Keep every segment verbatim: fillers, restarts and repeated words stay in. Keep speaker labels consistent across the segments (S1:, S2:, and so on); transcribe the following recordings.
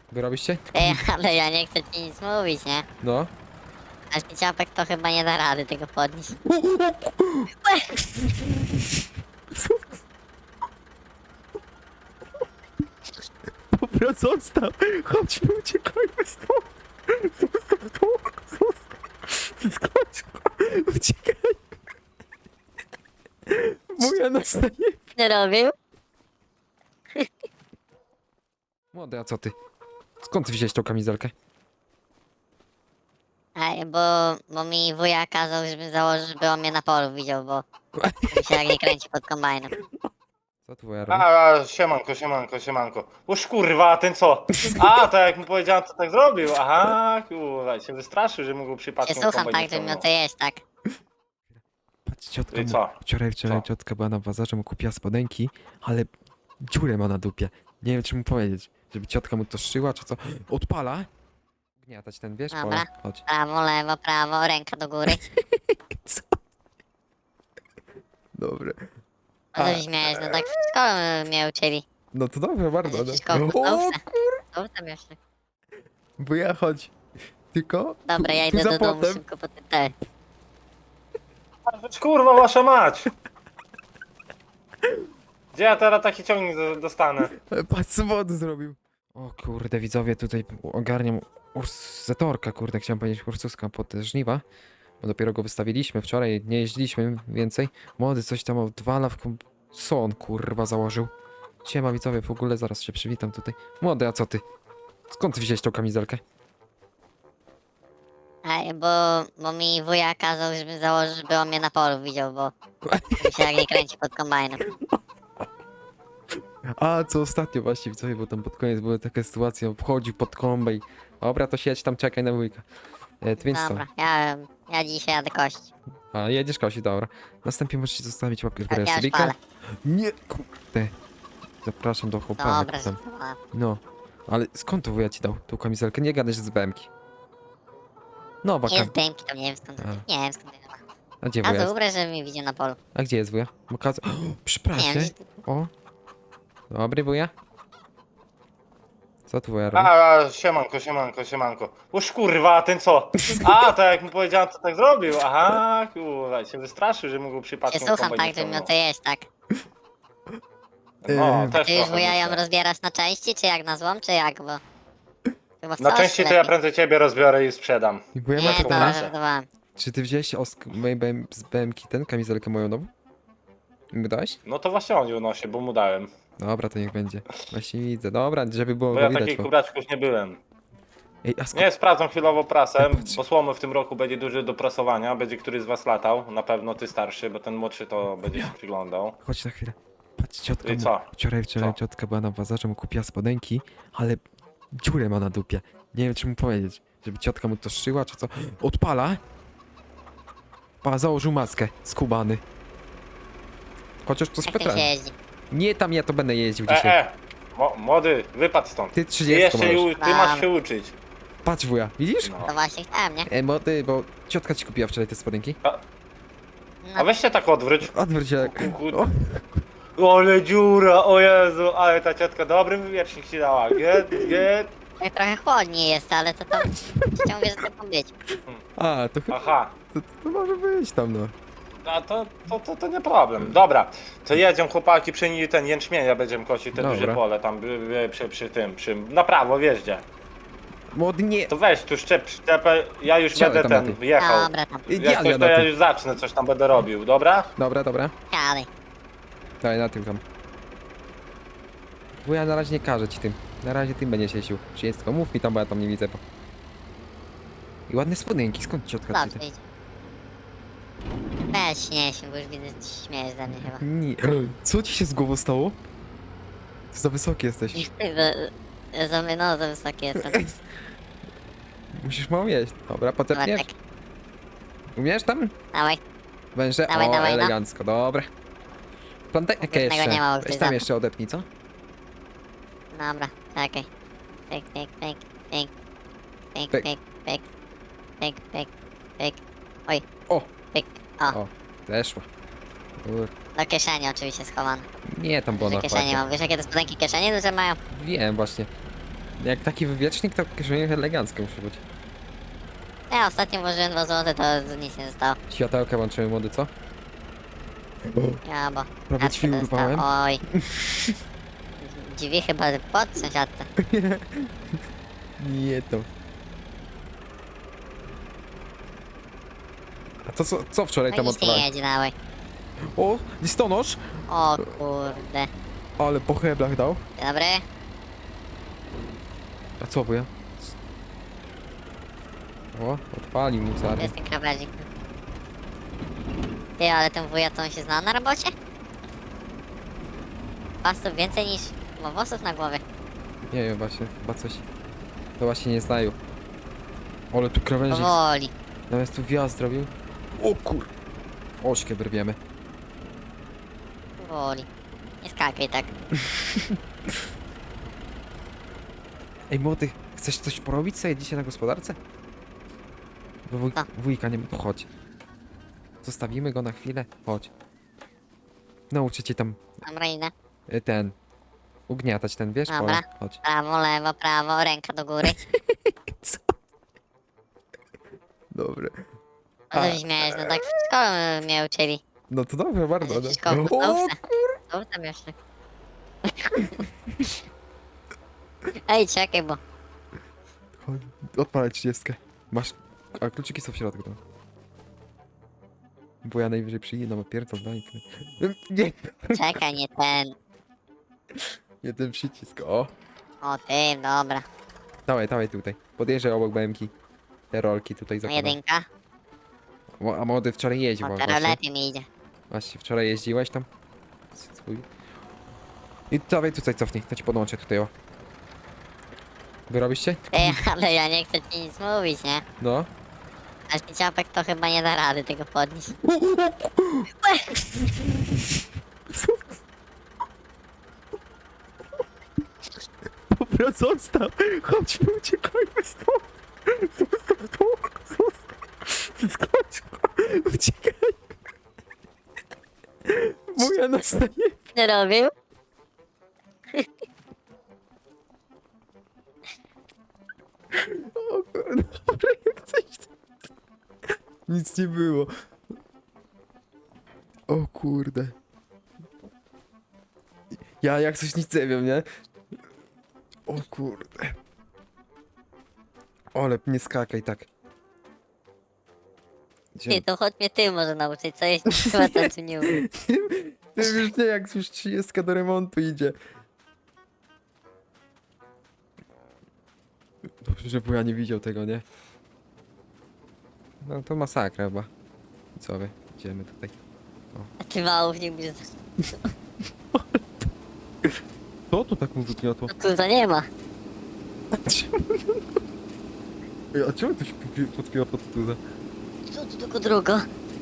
S1: Wy robiście?
S2: Ej, ale ja nie chcę ci nic mówić, nie?
S1: No.
S2: Aż mi ciapek to chyba nie da rady tego podnieść.
S1: Dobra, zostaw! Chodźmy, uciekajmy stąd! Zostaw to! Zostaw! Skocz! Uciekaj! Wuja nas najebie!
S2: Nie robił?
S1: Młody, a co ty? Skąd ty wziąłeś tą kamizelkę?
S2: Ej, bo, bo mi wuja kazał, żebym założył, żeby on mnie na polu widział, bo mi się jak nie kręci pod kombajnem.
S1: Co tu wuja robi?
S3: A, a, siemanko, siemanko, siemanko. Uż kurwa, a ten co? A, to jak mu powiedziałem, to tak zrobił. Aha, kurwa, się wystraszył, że mógł
S2: Się
S3: przypadkiem
S2: słucham
S3: kombajn
S2: tak, żeby miał
S3: wyciągnął.
S2: to jeść, tak?
S1: Patrz, ciotka
S3: I
S1: mu,
S3: co?
S1: wczoraj, wczoraj
S3: Co?
S1: ciotka była na bazarze, mu kupiła spodenki, ale dziurę ma na dupie. Nie wiem, czy mu powiedzieć, żeby ciotka mu to szyła, czy co. Odpala! Gniatać ten, wiesz,
S2: Dobra.
S1: pole. Chodź.
S2: Prawo, lewo, prawo, ręka do góry.
S1: Co? Dobre.
S2: No co się śmiejesz, no tak w szkole mnie uczyli.
S1: No to dobrze, bardzo.
S2: Przecież
S1: No.
S2: wszystko w
S1: O,
S2: podstawce.
S1: kur...
S2: Co tam jeszcze?
S1: Bo ja chodź. Tylko.
S2: Dobra, ja
S1: tu
S2: idę
S1: za
S2: do domu
S1: płotem.
S2: szybko po ten te.
S3: Kurwa, wasza mać! Gdzie ja teraz taki ciągnik do- dostanę?
S1: E, Patrz, co wody zrobił. O kurde, widzowie, tutaj ogarniam ursatorka, kurde, chciałem powiedzieć ursuska pod te żniwa. Bo dopiero go wystawiliśmy wczoraj, nie jeździliśmy więcej. Młody coś tam odwala w kom... Co on kurwa założył? Siema widzowie, w ogóle zaraz się przywitam tutaj. Młody, a co ty? Skąd ty wziąłeś tą kamizelkę?
S2: Ej, bo, bo mi wuja kazał, żebym założył, żeby on mnie na polu widział, bo mi się jak nie kręci pod kombajnem.
S1: A, co ostatnio właśnie widzowie, bo tam pod koniec były takie sytuacje, wchodził pod kombaj. Dobra, to siedź tam, czekaj na wujka. E, Twinstone.
S2: Dobra, ja, ja dzisiaj jadę kość.
S1: A, jedziesz Kosi, dobra. Następnie możecie zostawić łapkę w górę.
S2: Ja już
S1: Subika.
S2: palę.
S1: Nie, kurde. Zapraszam do chłopaka.
S2: Dobra,
S1: tam.
S2: żartowałem.
S1: No, ale skąd to wuja ci dał tą kamizelkę? Nie gadaj, że z B M ki. No, baka.
S2: Nie z dęmki, to nie wiem skąd.
S1: A.
S2: Nie wiem skąd to ma.
S1: A gdzie
S2: Ja
S1: wuja
S2: to
S1: jest?
S2: ubrę, żeby mnie widział na polu.
S1: A gdzie jest wuja? Bo kaza... O, przy
S2: Nie wiem,
S1: prasie.
S2: gdzieś-
S1: O. Dobry wuja. Co tu wuja robi?
S3: A, a, siemanko, siemanko, siemanko. Uż kurwa, a ten co? A, to jak mu powiedziałem, to tak zrobił. Aha, kurwa, się wystraszył, że mógł
S2: się
S3: przypadkiem
S2: słucham
S3: kombajn
S2: tak, żeby miał
S3: wyciągnął.
S2: to jeść, tak?
S3: No,
S1: Yy,
S3: też
S2: Ty już
S3: trochę
S2: wuja ją
S3: myślę.
S2: rozbierasz na części, czy jak na złom, czy jak, bo... Chyba w
S3: Na
S2: całości
S3: części to ja
S2: lepiej.
S3: prędzej ciebie rozbiorę i sprzedam.
S1: I wuja ma
S2: Nie,
S1: taką
S2: to
S3: proszę.
S2: żartowałem.
S1: Czy ty wziąłeś osk... mojej B M... z B M ki ten, kamizelkę moją nową? I mi dałeś?
S3: No to właśnie on ją nosi, bo mu dałem.
S1: Dobra, to niech będzie. Właśnie widzę. Dobra, żeby było
S3: Bo
S1: go
S3: ja
S1: widać.
S3: takich
S1: Bo...
S3: kubraczków nie byłem.
S1: Ej, a skąd...
S3: Nie, sprawdzam chwilowo prasę,
S1: Patrz.
S3: bo słomy w tym roku będzie duży do prasowania. Będzie któryś z was latał, na pewno ty starszy, bo ten młodszy to będzie się przyglądał.
S1: Chodź na chwilę. Patrz, ciotka
S3: I
S1: mu...
S3: co?
S1: Wczoraj, wczoraj
S3: Co?
S1: ciotka była na bazarze, mu kupiła spodenki, ale dziurę ma na dupie. Nie wiem, czy mu powiedzieć, żeby ciotka mu to szyła, czy co. Odpala! Pa, założył maskę, skubany. Chociaż to
S2: Jak tym się
S1: specjalnie.
S2: jeździ?
S1: Nie tam ja to będę jeździł
S3: E,
S1: dzisiaj.
S3: e, mo, młody, wypadł stąd.
S1: Ty
S3: Ty,
S1: trzydzieści
S3: jeszcze,
S1: możesz.
S3: ju- ty masz się uczyć.
S1: Patrz wuja, widzisz?
S3: No.
S2: To właśnie chciałem, nie?
S1: E, młody, bo ciotka ci kupiła wczoraj te spodenki.
S3: A
S2: No,
S3: weź się tak odwróć.
S1: Odwróć się.
S3: Ku-
S1: O,
S3: O, ale dziura, o Jezu, ale ta ciotka dobry wywietrznik ci dała. Get, get.
S2: tak trochę chłodniej jest, ale to tam... Chciałem mówię, że tak ma być.
S1: a, to chyba...
S3: Aha.
S1: To, to może być tam, no.
S3: A to, to, to, to nie problem. Dobra, to jedziemy chłopaki przy niej ten jęczmienia będziemy kosić te
S1: Dobra.
S3: duże pole tam by- by- przy, przy tym, przy, na prawo wjeździe.
S1: Młody, nie.
S3: To weź tu szczep, szczepę, ja już
S1: Wsiadaj
S3: będę
S1: tam na
S3: ten
S1: ty.
S3: jechał.
S2: Dobra, tam.
S1: Ja,
S3: Jak coś,
S1: ja
S3: to
S1: na
S3: ja
S1: tym.
S3: już zacznę, coś tam będę robił, dobra?
S1: Dobra, dobra.
S2: Dalej.
S1: Daj, na tym tam. Bo ja na razie nie każę ci tym. Na razie tym będziesz jeździł. Wszystko, mów mi tam, bo ja tam nie widzę. Bo... I ładne spodenki, skąd ciotka ci
S2: Dobrze
S1: te?
S2: idzie. Weź nie się, bo już widzę, że się śmiejesz ze mnie chyba.
S1: Nie. Co ci się z głową stało? Ty za wysoki jesteś.
S2: Za- Za my, no, za wysokie jestem.
S1: Musisz mało jeść. Dobra, potepniesz?
S2: Bartek,
S1: Umiesz tam?
S2: dawaj.
S1: Węże?
S2: Dawaj,
S1: o,
S2: dawaj, no.
S1: elegancko, dobra. Plantek
S2: Różnego
S1: jeszcze.
S2: nie ma, bo
S1: Weź
S2: ktoś
S1: tam
S2: za-
S1: jeszcze odepnij, co?
S2: Dobra, czekaj. Pyk, pyk, pyk, pyk. Pyk,
S1: Pyk.
S2: pyk, pyk. Pyk, pyk, pyk. Oj,
S1: O!
S2: pyk. O,
S1: O, zeszła. Kur...
S2: do kieszeni oczywiście schowane.
S1: Nie, tam było
S2: Duże
S1: na
S2: kieszenie
S1: kładzie.
S2: mam. Wiesz jakie te spodenki kieszenie duże mają?
S1: Wiem właśnie. Jak taki wywiecznik, to kieszenie elegancko musi być.
S2: Ja ostatnio włożyłem dwa złote, to nic nie zostało.
S1: Światełka włączymy, młody, co?
S2: Ja, bo...
S1: Prawie
S2: kartkę
S1: drzwi
S2: dostałem.
S1: urwałem.
S2: Oj. Drzwi chyba pod sąsiadce.
S1: Nie to. A to co, co wczoraj
S2: No
S1: tam
S2: nic nie
S1: odpalałeś?
S2: jedzie dawaj.
S1: O, listonosz!
S2: O kurde.
S1: Ale po heblach dał.
S2: Dzień dobry.
S1: A co wuja? O, odpalił mu
S2: To
S1: carny.
S2: jest ten krawędzik. Ty, ale ten wuja to on się zna na robocie? Pasów więcej niż ma włosów na głowie.
S1: Nie wiem, właśnie, chyba coś... To właśnie nie znają. Ale tu krawędzik,
S2: Powoli.
S1: zamiast tu wjazd zrobił. O kur... Ośkę brwiemy.
S2: Powoli. Nie skakaj tak.
S1: Ej, młody, chcesz coś porobić sobie dzisiaj na gospodarce? Bo wuj...
S2: Co?
S1: wujka nie ma, to chodź. Zostawimy go na chwilę, chodź. Nauczę cię tam
S2: Dobra, idę.
S1: y, ten... Ugniatać ten, wiesz?
S2: Dobra.
S1: Pole. Chodź.
S2: Prawo, lewo, prawo, ręka do góry.
S1: Co? Dobra.
S2: No to się śmiałeś, no tak w szkole mnie uczyli.
S1: No to dobrze, bardzo.
S2: Że
S1: No.
S2: wszystko w
S1: O,
S2: podstawce. Co tam jeszcze? Ej, czekaj, bo...
S1: chodź, odpalaj trzydziestkę. Masz... A kluczyki są w środku tam. Bo ja najwyżej przyjdę, no pierdol, daj. Nie,
S2: Czekaj, nie ten.
S1: nie ten przycisk, o.
S2: O, ty, dobra.
S1: Dawaj, dawaj tutaj. Podjeżdżaj obok B M ki. Te rolki tutaj
S2: No
S1: zakładam.
S2: jedynka.
S1: Mo- A młody wczoraj jeździł
S2: O,
S1: właśnie.
S2: teraz lepiej mi idzie.
S1: Właśnie, wczoraj jeździłeś tam? Swój. I dawaj tutaj cofnij, to ci podłączę tutaj, o. Wyrobisz się?
S2: Ej, ale ja nie chcę ci nic mówić, nie?
S1: No.
S2: Aż mi ciapek to chyba nie da rady tego podnieść.
S1: Dobra, zostaw! Chodźmy, uciekajmy stąd! Zostaw to! Zostaw! Skocz! Uciekaj! Moja nastaje!
S2: Nie robił?
S1: O, dobra, jak coś... Nic nie było. O kurde. Ja jak coś nic nie wiem, nie? O kurde. Ale nie skakaj tak. Gdzie-
S2: Ty, to chodź mnie ty może nauczyć, co jest chyba ten tu nie umiem.
S1: Ty już nie, jak już trzydziestka do remontu idzie. Dobrze, że ja nie widział tego, nie? No to masakra chyba. Co wy? Idziemy tutaj.
S2: A ty małów nie umiesz.
S1: Co tu tak mu wygniotło?
S2: No tu to nie ma.
S1: Ej, a czemu to się podpiła pod tuza?
S2: Tu, tu tylko drugo.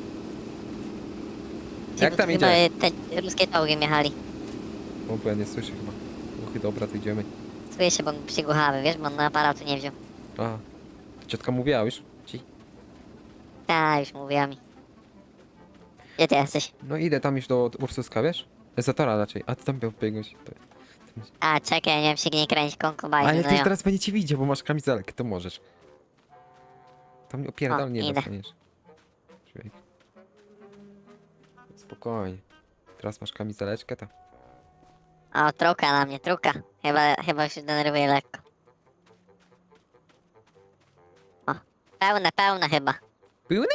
S1: Jak tam
S2: Chyba
S1: idzie?
S2: te ruskie czołgiem jechali.
S1: O, bo ja nie słyszę chyba. Uchy, dobra, to idziemy.
S2: Słyszę się, bo on przygłuchawy, wiesz, bo on na aparatu nie wziął.
S1: A, ciotka mówiła już? Ci?
S2: Tak, już mówiła mi. Gdzie ty jesteś?
S1: No idę tam już do Ursuska, wiesz? Zatora raczej, a ty tam biegłeś.
S2: A, czekaj, nie wiem, się nie kręć, konkubajny,
S1: Ale
S2: no
S1: ty
S2: jo.
S1: teraz będziecie widział, bo masz kamizelkę, to możesz. Tam nie opierdol,
S2: O,
S1: nie
S2: idę.
S1: dostaniesz. Człowiek. Spokojnie. Teraz masz kamizeleczkę, to...
S2: O, truka na mnie, truka. Chyba, chyba się denerwuje lekko. O, pełne, pełne chyba.
S1: Pełny?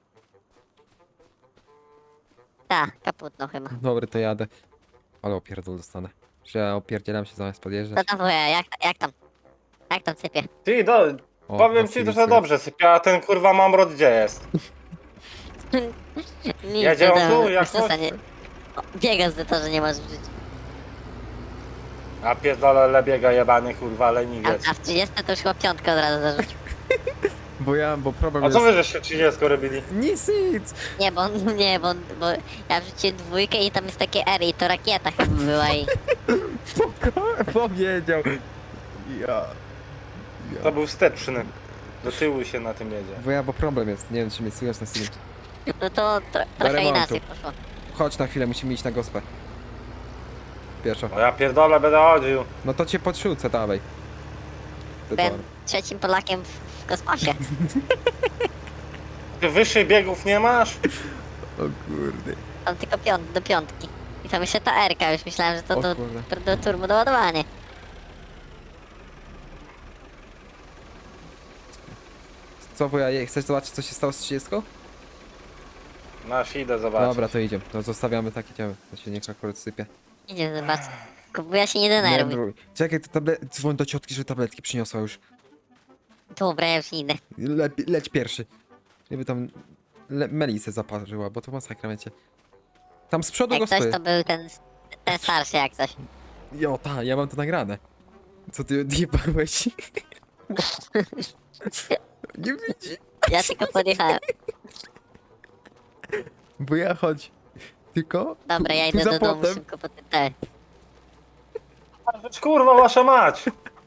S2: Tak, kaputno chyba.
S1: Dobry, to jadę. Ale opierdol dostanę. Że ja opierdzielam się zamiast
S2: Co
S1: podjeżdżać.
S2: tam wuja, jak, jak tam? Jak tam sypie?
S3: Ty, do,
S1: O,
S3: powiem
S1: Wasyli
S3: ci, że
S1: słychać.
S3: dobrze sypia, a ten kurwa mamrot gdzie jest?
S2: Nic,
S3: Jedzie
S2: no
S3: on
S2: dobra,
S3: tu, jak
S2: wiesz co,
S3: coś?
S2: nie... O, biega z to, że nie masz w życiu.
S3: A pierdolę lebiega jebany kurwa,
S2: A,
S3: leniwiec.
S2: a w trzydziestce to już chyba piątkę od razu zarzucił.
S1: Bo ja, bo problem
S3: A
S1: jest...
S3: co wy żeście trzydzieści robili?
S1: Nic, nic!
S2: Nie, bo nie, bo, bo ja wrzuciłem dwójkę i tam jest takie R i to rakieta chyba była i...
S1: Spoko- Powiedział. Ja...
S3: To
S1: Ja...
S3: był wsteczny. Do tyłu się na tym jedzie.
S1: Bo ja, bo problem jest. Nie wiem, czy mnie słychać na streamie.
S2: No to tro, trochę
S1: remontu.
S2: inaczej poszło.
S1: Chodź na chwilę, musimy iść na gospę. Pieszo.
S3: No ja pierdolę będę chodził.
S1: No to cię podrzucę, dawaj.
S2: Byłem trzecim Polakiem w, w kosmosie.
S3: Ty wyższych biegów nie masz?
S1: O kurde.
S2: Tam tylko piąt, do piątki. I tam jeszcze ta R-ka, już myślałem, że to
S1: O
S2: do,
S1: kurde.
S2: do turbo doładowanie.
S1: Co wuja, je- chcesz zobaczyć co się stało z trzydziestką?
S3: Masz, idę zobaczyć.
S1: Dobra, to idziemy. No zostawiamy tak, idziemy. To się niech akurat sypie.
S2: Idzie zobaczyć. Kupuję się nie
S1: Nie,
S2: denerwuj.
S1: bro. Czekaj, te tabletki, dzwoń do ciotki, że tabletki przyniosła już.
S2: Dobra, ja już idę.
S1: Le, leć pierwszy. Żeby tam le, Melisę zaparzyła, bo to masakra wiecie. Tam z przodu go
S2: Jak coś
S1: stoi.
S2: to był ten, ten starszy jak coś.
S1: Jo, ta, ja mam to nagrane. Co ty odjebałeś? Nie widzi.
S2: Ja tylko podjechałem.
S1: Bo ja chodź. Tylko.
S2: Dobra, ja
S1: tu
S2: idę
S1: za
S2: do domu
S1: płotem.
S2: szybko po tym te.
S3: Kurwa, wasza mać!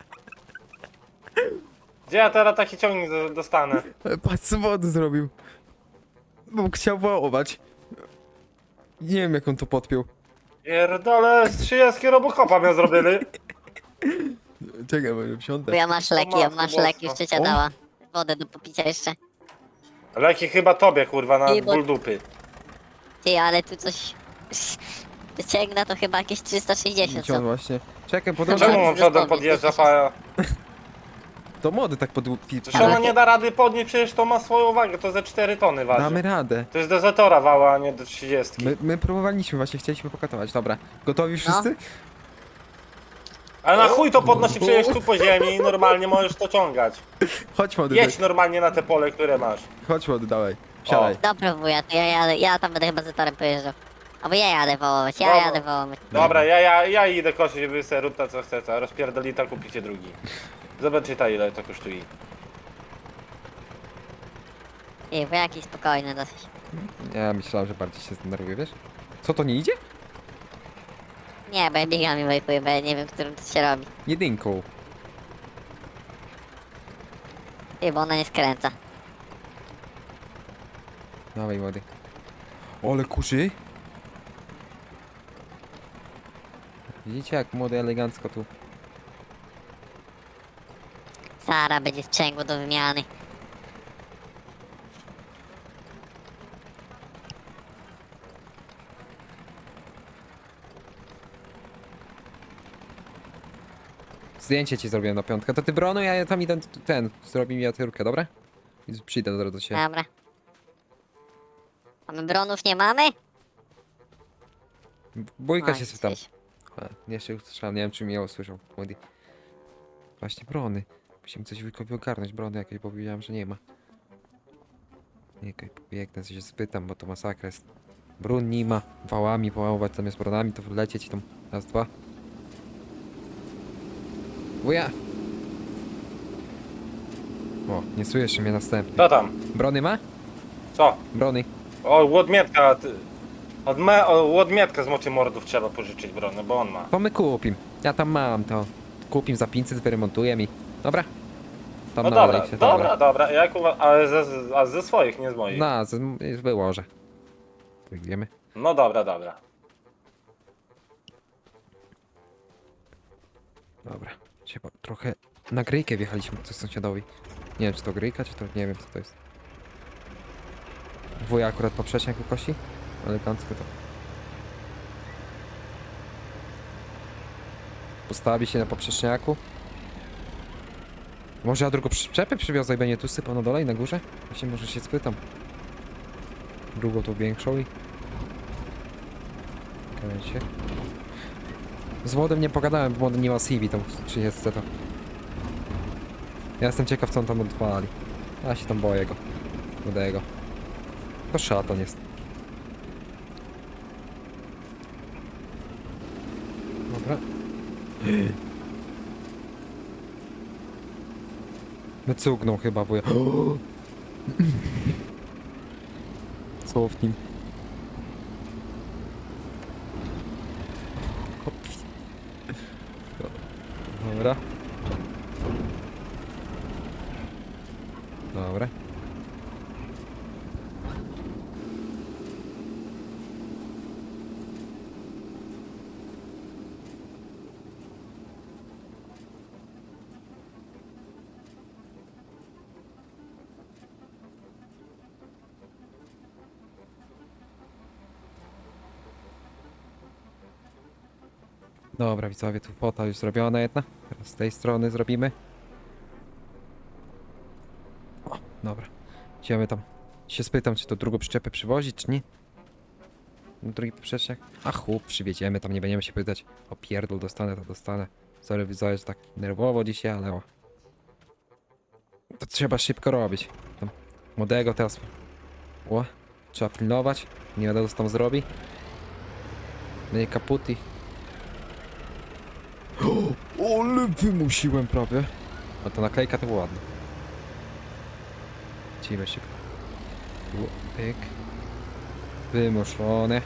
S3: Gdzie ja teraz taki ciągnik do- dostanę?
S1: Patrz co wody zrobił. Bo chciał wołować. Nie wiem jak on to podpiął.
S3: Pierdolę, z trzydziestki Robocopa mnie zrobili.
S1: Czekaj, bo wsiądę.
S2: Bo ja masz leki, ja
S3: matko
S2: masz
S3: boska.
S2: leki, już ciocia
S1: O.
S2: dała. Wodę do popicia jeszcze.
S3: Leki chyba tobie, kurwa, na
S2: Nie, bo-
S3: ból dupy.
S2: Ty, ale tu coś... Wyciągnę to chyba jakieś trzysta sześćdziesiąt
S1: Gdzie on
S2: są.
S1: właśnie? Czekaj,
S2: No
S1: podążaj.
S3: Czemu
S2: Dobra,
S3: on przodem
S2: dosłownie,
S3: podjeżdża,
S2: trzysta
S3: pa...
S1: To młody tak pod...
S3: Przecież ona nie da rady podnieść, przecież to ma swoją wagę, to ze cztery tony waży.
S1: Damy radę.
S3: To jest do Zetora wała, a nie do trzydziestki.
S1: My, my próbowaliśmy, właśnie chcieliśmy pokatować. Dobra, gotowi wszyscy?
S3: Ale na chuj to podnosi przecież tu po ziemi i normalnie możesz to ciągać.
S1: Chodź młody,
S3: Jedź normalnie na te pole, które masz.
S1: chodź młody, dawaj. Siadaj.
S2: Dobra wuja, to ja jadę, ja tam będę chyba z torem pojeżdżał. Albo ja jadę wołować, ja
S3: Dobra.
S2: jadę wołować.
S3: Dobra, ja, ja, ja idę kosić, wy se rób ta co chcecie, a rozpierdolita kupicie drugi. Zobaczcie ta ile to kosztuje.
S2: Ej, bo jakiś spokojny dosyć.
S1: Ja myślałem, że bardziej się zdenerwuję, wiesz? Co, to nie idzie?
S2: Nie, bo ja biegami wejkuję, bo ja nie wiem, którym to się robi.
S1: Jedynką.
S2: Ej, bo ona nie skręca.
S1: Dawaj młody. Ole kuszy. Widzicie jak młody elegancko tu.
S2: Sara będzie sprzęgło do wymiany.
S1: Zdjęcie ci zrobiłem na piątkę. To ty Brono, ja tam idę ten. Zrobi mi atyrkę, dobra? I przyjdę zaraz do ciebie.
S2: Dobra. A my bronów nie mamy?
S1: Bójka
S2: A,
S1: się spytam.
S2: jesteś.
S1: A, nie się usłyszałem, nie wiem czy mnie usłyszał. Młody. Właśnie brony. Musimy coś wujkowi ogarnąć, brony jakieś, bo powiedziałem, że nie ma. Nie, okej, pobiegnę, coś się spytam, bo to masakra jest. Brun nie ma, wałami połamować zamiast bronami, to wlecieć tam. Raz, dwa. Wuja! O, nie słyszy mnie następny.
S3: Co tam?
S1: Brony ma?
S3: Co?
S1: Brony.
S3: O, łodmietka, ty... Od me... o, łodmietka z mocy mordów trzeba pożyczyć brony, bo on ma.
S1: To my kupim. Ja tam mam to. Kupim za pięćset, wyremontuję mi. Dobra. Tam
S3: No
S1: na
S3: dobra,
S1: Aleksie,
S3: dobra, dobra, jak uwa... ale ze, ze- a ze swoich, nie z moich.
S1: Na, z, już wyłożę. Wyjdziemy.
S3: No dobra, dobra.
S1: Dobra. Trzeba trochę na gryjkę wjechaliśmy coś sąsiadowi. Nie wiem czy to gryjka, czy to nie wiem co to jest. Wuja akurat poprzeczniak kosi. Elegancko to. Postawi się na poprzeczniaku. Może ja drugą przyczepę przywiozę i będzie tu sypał na dole i na górze? Właśnie może się spytam. Drugą tą większą i... Czekajcie. Z młodym nie pogadałem, bo młody nie ma C V tam w trzydziestce to. Ja jestem ciekaw co on tam odwali. Ja się tam boję go. Młodego. To szatan jest. Dobra. No cugnął chyba, bo ja... Co w nim? Dobra. Dobra. Dobra, widzowie, tu fota już zrobiona jedna. Teraz z tej strony zrobimy. O, dobra. Idziemy tam. Się spytam, czy to drugą przyczepę przywozić, czy nie? Drugi poprzeczniak? A chłop, przywieziemy, tam nie będziemy się pytać. O pierdol, dostanę, to dostanę. Sorry, widzowie, że tak nerwowo dzisiaj, ale o. To trzeba szybko robić. Tam młodego teraz... O, trzeba pilnować. Nie wiadomo, co tam zrobi. Będzie kaputi. O, ale wymusiłem prawie. No to naklejka to było ładne. Lecimy szybko. Tu, pyk. Wymuszone.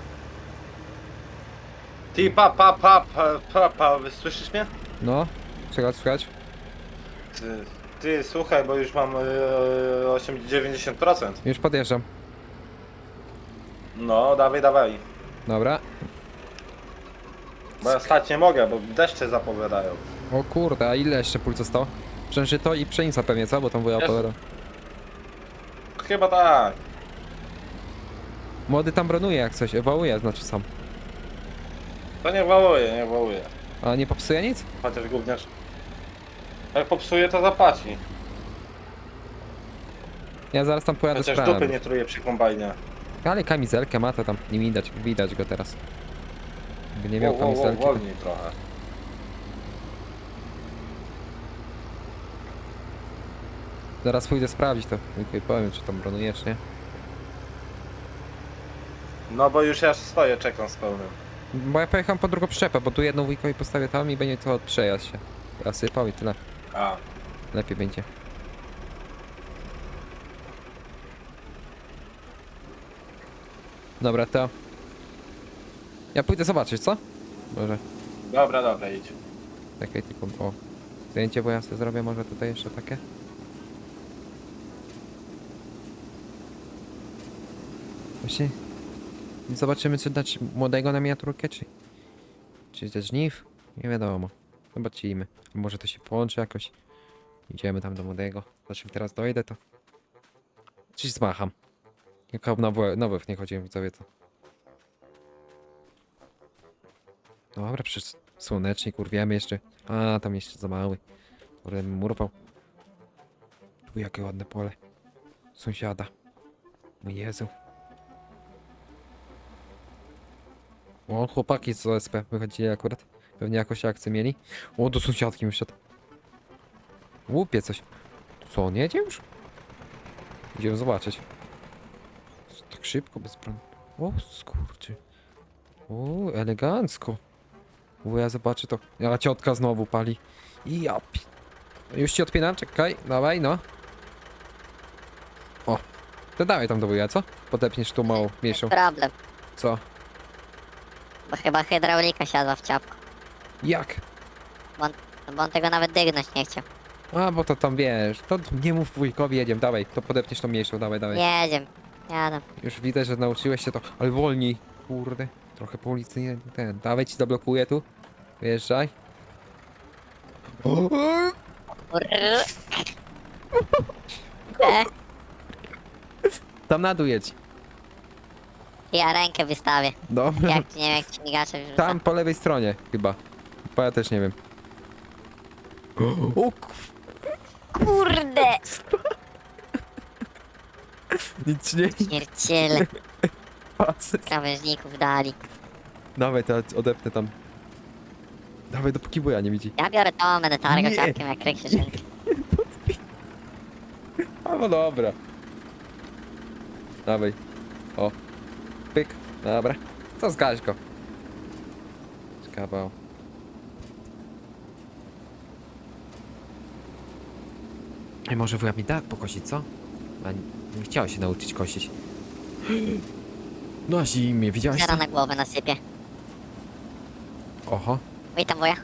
S3: Ty, pa, pa, pa, pa, pa, pa, słyszysz mnie?
S1: No, słychać, słychać.
S3: Ty, ty słuchaj, bo już mam yy, osiemdziesiąt dziewięćdziesiąt procent.
S1: Już podjeżdżam.
S3: No, dawaj, dawaj.
S1: Dobra.
S3: Bo ja stać nie mogę, bo deszcze zapowiadają.
S1: O kurde, a ile jeszcze pól zostało? Przężyto i pszenica pewnie, co? Bo tam wuja
S3: Jest.
S1: opowiadał.
S3: Chyba tak.
S1: Młody tam bronuje jak coś, ewaluuje, znaczy sam.
S3: To nie wałuje, nie wałuje.
S1: A nie popsuje nic?
S3: Chociaż gówniarz. Jak popsuje, to zapłaci.
S1: Ja zaraz tam pojadę
S3: Chociaż
S1: sprawę.
S3: dupy nie truje przy kombajnie.
S1: Ale kamizelkę ma to tam, nie widać, widać go teraz. Jakby nie miał
S3: Wo- wo- wo-
S1: kamizelki, to...
S3: Wolniej trochę.
S1: Zaraz pójdę sprawdzić to, tylko i powiem, czy tam bronujesz, nie?
S3: No bo już ja stoję, czekam z pełnym.
S1: Bo ja pojechałem po drugą przyczepę, bo tu jedną wujkowi postawię tam i będzie to przejazd się. Ja sypał i tyle.
S3: A.
S1: Lepiej będzie. Dobra, to... Ja pójdę zobaczyć, co? Może.
S3: Dobra, dobra, idź.
S1: Takie tylko... O. Zdjęcie, bo ja sobie zrobię może tutaj jeszcze takie. Właśnie... Zobaczymy, czy dać młodego na miniaturkę, czy... Czy ze żniw? Nie wiadomo. Zobaczymy. Może to się połączy jakoś. Idziemy tam do młodego. Znaczy teraz dojdę, to... Coś zmacham. Jako nowy, nowy nie chodziłem, widzowie, to... Dobra, przecież słonecznik, urwiemy jeszcze. A, tam jeszcze za mały. Kurde, bym urwał. Tu jakie ładne pole. Sąsiada. Mój Jezu. O, chłopaki z O S P wychodzili akurat. Pewnie jakoś akcję mieli. O, do sąsiadki mi wszedł. Łupie coś. Co, on jedzie już? Idziemy zobaczyć. Tak szybko, bez broni. O, skurczy. O, elegancko. O, ja zobaczę to. A ciotka znowu pali. I ja pi... Już ci odpinam, czekaj. Dawaj, no. O. To dawaj tam do wuja, co? Podepniesz tu małą, mniejszą.
S2: Problem,
S1: Co?
S2: bo chyba hydraulika siadła w ciapku.
S1: Jak?
S2: No bo on tego nawet dygnąć nie chciał.
S1: A, bo to tam wiesz. To nie mów wujkowi, jedziemy, dawaj. To podepniesz tą mniejszą, dawaj, dawaj.
S2: Jedziemy, jadę.
S1: Już widać, że nauczyłeś się to, ale wolniej. Kurde. Trochę po ulicy nie... Ten, dawaj ci zablokuję tu. Wjeżdżaj. O,
S2: Urr. E,
S1: tam na dół jedź.
S2: ja rękę wystawię.
S1: Dobra.
S2: Jak, nie wiem jak ci migacze wrzuca.
S1: Tam po lewej stronie chyba. Bo ja też nie wiem. O, k-
S2: Kurde!
S1: nic nie
S2: Śmierciele
S1: pasy.
S2: krawężników dali.
S1: Dawaj, to ja odepnę tam. Dawaj, dopóki wuja nie widzi.
S2: Ja biorę to, będę targał
S1: Nie.
S2: ciapkiem jak kryk się czynki.
S1: A no dobra. Dawaj. O. Pyk. Dobra. To zgaś go. Kawał. I może wuja mi da pokosić, co? A nie, nie chciał się nauczyć kosić. Na zimie, widziałeś
S2: Zero
S1: to?
S2: na głowę nasypię.
S1: Oho.
S2: Witam wuja.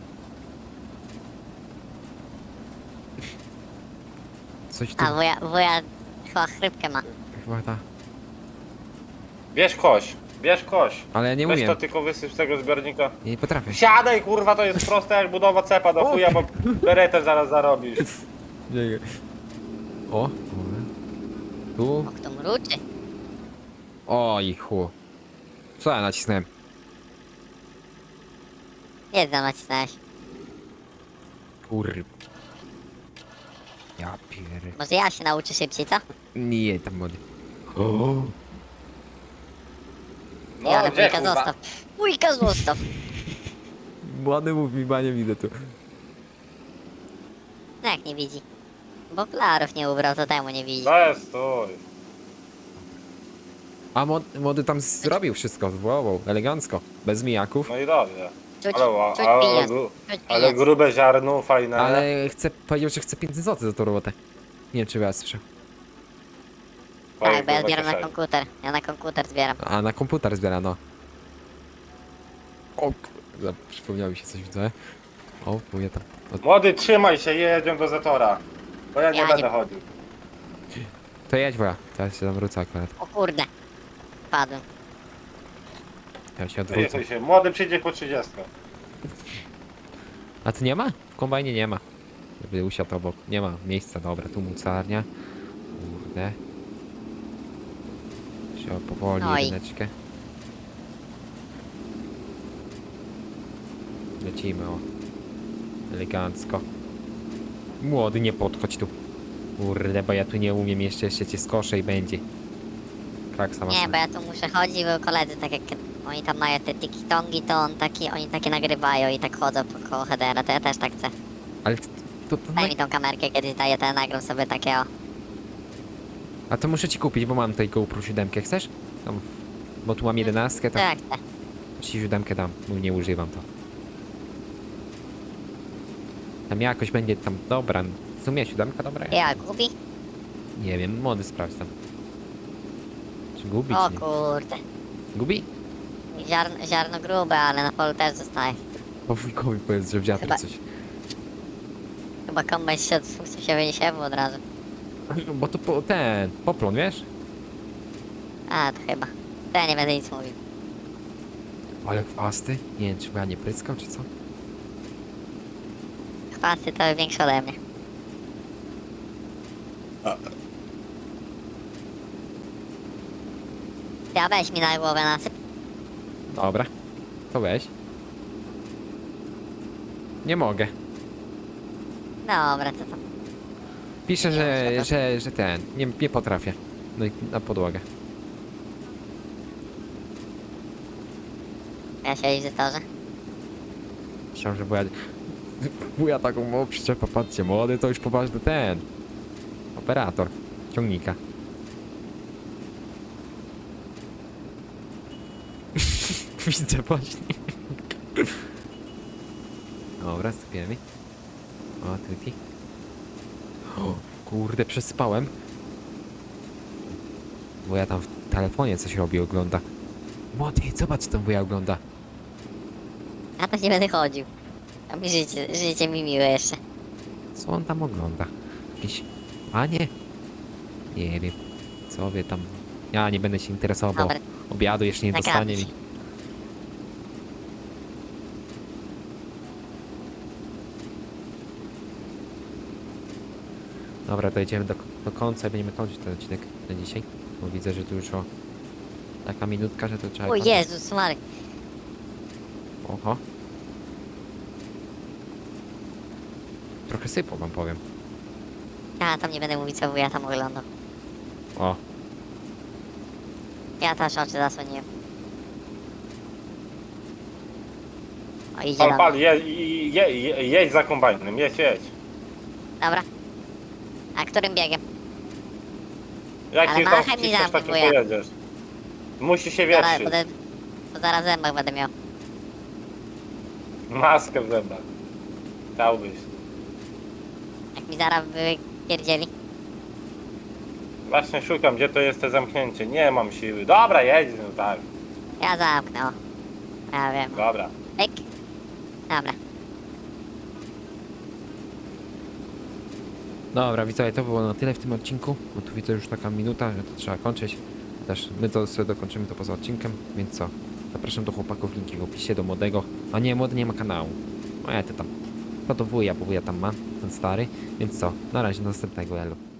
S1: Coś tu
S2: A wuja, wuja chyba chrypkę ma.
S1: chyba ta.
S3: Bierz koś, bierz koś.
S1: Ale ja nie
S3: Weź
S1: umiem.
S3: to tylko wysyp z tego zbiornika.
S1: Ja nie potrafię.
S3: Siadaj kurwa, to jest proste jak budowa cepa do chuja, bo beretę zaraz zarobisz.
S1: Nie. O. Tu.
S2: O, kto mruczy?
S1: Oj, chu. Co ja nacisnąłem?
S2: Nie tam nacisnąłeś.
S1: Kur... Ja pier...
S2: Może ja się nauczę szybciej, co?
S1: Nie, tam młody. O,
S3: No,
S2: Ja, ale
S3: gdzie,
S2: wujka
S3: kurwa?
S2: zostaw. Wujka zostaw.
S1: młody mów mi, ba nie widzę tu.
S2: No jak nie widzi? Bo okularów nie ubrał, to temu nie widzi.
S3: Bez, stój.
S1: A młody, młody tam zrobił wszystko, wow, wow, elegancko. Bez mijaków.
S3: No i dobrze.
S2: Czuć,
S3: Ale, ła-
S2: czuć
S3: ale,
S2: pieniądz.
S3: gru-
S2: Czuć
S3: ale
S2: pieniądz.
S3: grube ziarno, fajne.
S1: Ale chce, powiedział, że chce pięćset złotych za tą robotę. Nie wiem, czy was słyszę.
S3: Twoje,
S2: Tak, bo ja
S3: kurwa,
S2: zbieram na
S3: kieszeni.
S2: komputer. Ja na komputer zbieram.
S1: A na komputer zbiera, no. O kurde, przypomniało mi się coś, widzę. O, mówię tam. O,
S3: Młody, trzymaj się, jedziemy do Zetora. Bo ja nie
S2: Ja
S3: będę
S2: nie-
S3: chodził.
S1: to jedź, woja. Teraz się tam wrócę akurat.
S2: O kurde. Padłem.
S1: Ja się odwrócę.
S3: Jechaj się. Młody przyjdzie po trzydziestce.
S1: A tu nie ma? W kombajnie nie ma. Żeby usiadł obok. Nie ma miejsca, dobra, tu mocarnia. Kurde. Trzeba powoli
S2: Oj.
S1: jedyneczkę. Lecimy, o. Elegancko. Młody, nie podchodź tu. Kurde, bo ja tu nie umiem, jeszcze, jeszcze cię skoszę i będzie. Kraksa
S2: Nie,
S1: masa.
S2: bo ja tu muszę chodzić, bo koledzy tak jak oni tam mają te tiki-tongi, to on taki, oni takie nagrywają i tak chodzą po koło headera, to ja też tak chcę.
S1: Ale to, to, to
S2: Daj mi tą kamerkę, kiedyś daję, to ja nagram sobie takie o.
S1: A to muszę ci kupić, bo mam tutaj GoPro siedem, chcesz? Tam, bo tu mam jedenastkę,
S2: To
S1: to
S2: jak chcę.
S1: ci siedem dam, bo nie używam to. Tam jakoś będzie tam dobra. W sumie siódemka dobra?
S2: Ja gubi?
S1: Nie wiem, młody sprawdź tam. Czy gubi,
S2: O
S1: czy nie?
S2: kurde.
S1: Gubi?
S2: Ziarno, ziarno grube, ale na polu też zostaje.
S1: Po wujkowi powiedz, że w wiatr
S2: Chyba-
S1: coś.
S2: Chyba kombajn się od funkcji się wyniesie od razu.
S1: Bo to po, ten, poplon, wiesz?
S2: A, to chyba. To ja nie będę nic mówił.
S1: Ale chwasty? Nie wiem, czy ja nie pryskam, czy co?
S2: Chwasty to większe ode mnie. Ja weź mi na głowę nasyp.
S1: Dobra. To weź. Nie mogę.
S2: Dobra, to tam.
S1: Pisze,
S2: Nie,
S1: że,
S2: szkoda.
S1: że, że ten, nie, nie potrafię. No i na podłogę.
S2: Ja się w zetorze.
S1: Myślałem, że wuja... Wuja taką małą przyczepę, patrzcie, młody to już poważny ten. Operator ciągnika. Widzę właśnie. Dobra, sypiemy. O, tyki. O, kurde, przespałem. Wuja tam w telefonie coś robi, ogląda. Młody, zobacz, co tam wuja ogląda.
S2: Ja to nie będę chodził. A mi życie, życie mi miłe jeszcze.
S1: Co on tam ogląda? Jakieś... Panie? Nie wiem. Co wy tam... Ja nie będę się interesował,
S2: Dobra,
S1: bo obiadu jeszcze nie
S2: nagramy
S1: dostanie
S2: się.
S1: mi. Dobra, to idziemy do, do końca i będziemy kończyć ten odcinek na dzisiaj. Bo widzę, że tu już o... Taka minutka, że to trzeba...
S2: O
S1: kończyć.
S2: Jezus Mary.
S1: Oho. Trochę sypło wam powiem.
S2: Ja tam nie będę mówić co wuja tam oglądał.
S1: O,
S2: Ja też oczy zasłoniłem. O, idzie
S3: Pal,
S2: do
S3: pal,
S2: mnie.
S3: je, je, je, jedź za kombajnem, jedź, jedź.
S2: Dobra. A którym biegiem?
S3: Jak
S2: Ale
S3: ty tam
S2: machaj mi
S3: wciskasz,
S2: za
S3: tak
S2: mnie,
S3: nie
S2: bo ja-
S3: pojedziesz. Musi się
S2: Zaraz,
S3: wietrzyć.
S2: będę, bo zaraz w zębach będę miał.
S3: Maskę w zębach. Chciałbyś.
S2: Jak mi zaraz wypierdzieli.
S3: Właśnie szukam, gdzie to jest te zamknięcie. Nie mam siły. Dobra, jedź, no tak.
S2: Ja zamknę, o. Ja wiem.
S3: Dobra.
S2: Pyk. Dobra.
S1: dobra, widzowie, to było na tyle w tym odcinku, bo tu widzę już taka minuta, że to trzeba kończyć. Też my to sobie dokończymy to poza odcinkiem, więc co? Zapraszam do chłopaków, linki w opisie, do młodego. A nie, młody nie ma kanału. A ja to tam. To do wuja, bo wuja tam ma, ten stary. Więc co? Na razie, do następnego, elo.